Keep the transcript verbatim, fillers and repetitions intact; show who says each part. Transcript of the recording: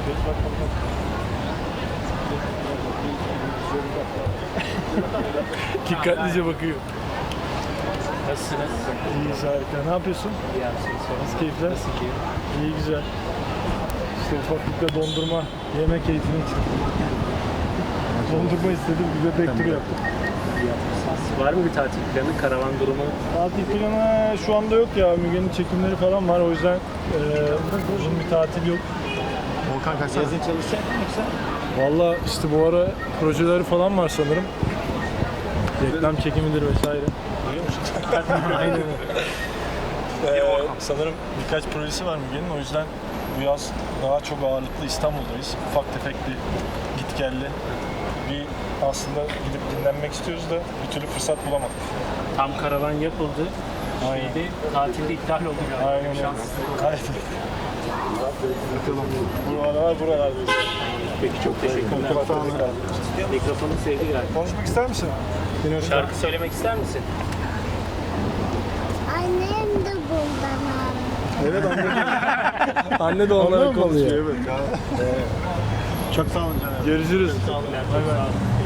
Speaker 1: Geç bak bak bak.
Speaker 2: Dikkatlice bakıyor.
Speaker 3: Nasılsınız?
Speaker 2: İyiyiz, harika. Ne yapıyorsun?
Speaker 3: İyi abi, siz sorun.
Speaker 2: Nasıl keyifler?
Speaker 3: Nasıl keyif?
Speaker 2: İyi, güzel. İşte ufaklıkla dondurma yeme keyfini için. Dondurma istedim, bir de backtour yaptım.
Speaker 3: İyi yapmışsınız. Var mı bir tatil planı, karavan durumu?
Speaker 2: Tatil planı şu anda yok ya. Müge'nin çekimleri falan var. O yüzden e, uzun bir tatil yok.
Speaker 1: Volkan kaçsana.
Speaker 3: Yazın çalışacak mı yoksa?
Speaker 2: Valla işte bu ara projeleri falan var sanırım. Reklam çekimidir vesaire.
Speaker 3: Duyuyor musun?
Speaker 2: Aynen öyle. Ee, sanırım birkaç projesi var Müge'nin. O yüzden bu yaz daha çok ağırlıklı İstanbul'dayız. Ufak tefek bir git gelli. Bir aslında gidip dinlenmek istiyoruz da bir türlü fırsat bulamadık.
Speaker 3: Tam karavan yapıldı.
Speaker 2: Aynen.
Speaker 3: Şeyde, tatilde iptal oldu galiba.
Speaker 2: Aynen öyle.
Speaker 3: Şanssızlık oldu.
Speaker 2: Kaybettik. Buralar buralardayız.
Speaker 3: Peki, çok teşekkürler. Mikrofonu sevdi galiba.
Speaker 2: Konuşmak ister misin?
Speaker 3: Şarkı söylemek ister misin?
Speaker 4: Annem de bundan abi.
Speaker 2: Evet, anne. Anne de onlara konuşuyor. Evet.
Speaker 1: Çok sağ olun canım.
Speaker 2: Görüşürüz.
Speaker 3: Sağ olun. Bay bay.